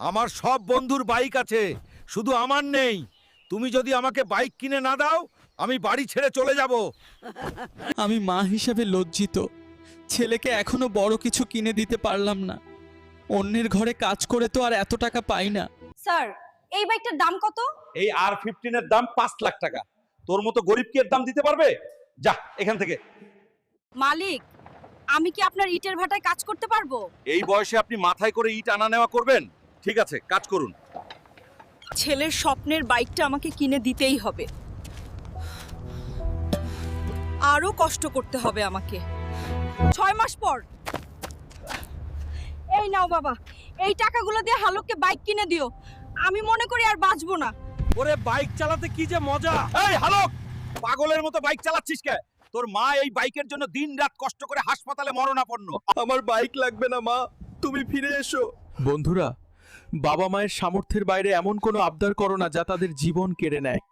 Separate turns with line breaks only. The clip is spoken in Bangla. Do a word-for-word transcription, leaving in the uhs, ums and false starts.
আমার সব বন্ধুর বাইক আছে, শুধু আমার নেই। তুমি যদি আমাকে বাইক কিনে না দাও, আমি বাড়ি ছেড়ে চলে যাব।
আমি মা হিসেবে লজ্জিত, ছেলেকে এখনো বড় কিছু কিনে দিতে পারলাম না। অন্যের ঘরে কাজ করে তো আর এত টাকা পাই না।
স্যার, এই বাইকটার দাম কত?
এই আর ফিফটিন এর দাম পাঁচ লাখ টাকা। তোর মতো গরিব কি এর দাম দিতে পারবে? যা এখান থেকে।
মালিক, আমি কি আপনার ইটের ভাটায় কাজ করতে পারবো?
এই বয়সে আপনি মাথায় করে ইট আনা নেওয়া করবেন? ঠিক আছে, কাজ করুন।
ছেলের স্বপ্নের বাইকটা আমাকে কিনে দিতেই হবে। আরো কষ্ট করতে হবে আমাকে। ছয় মাস পর। এই নাও বাবা, এই টাকাগুলো দিয়ে হালককে বাইক কিনে দিও। আমি মনে করি আর বাঁচবো না।
ওরে বাইক চালাতে কি যে মজা! এই হালক, পাগলের মতো বাইক চালাচ্ছিস কে? তোর মা এই বাইকের জন্য দিনরাত কষ্ট করে হাসপাতালে মরণাপন্ন।
আমার বাইক লাগবে না মা, তুমি ফিরে এসো। বন্ধুরা, বাবা মায়ের সামর্থ্যের বাইরে এমন কোনো আবদার করো না যা তাদের জীবন কেড়ে নেয়।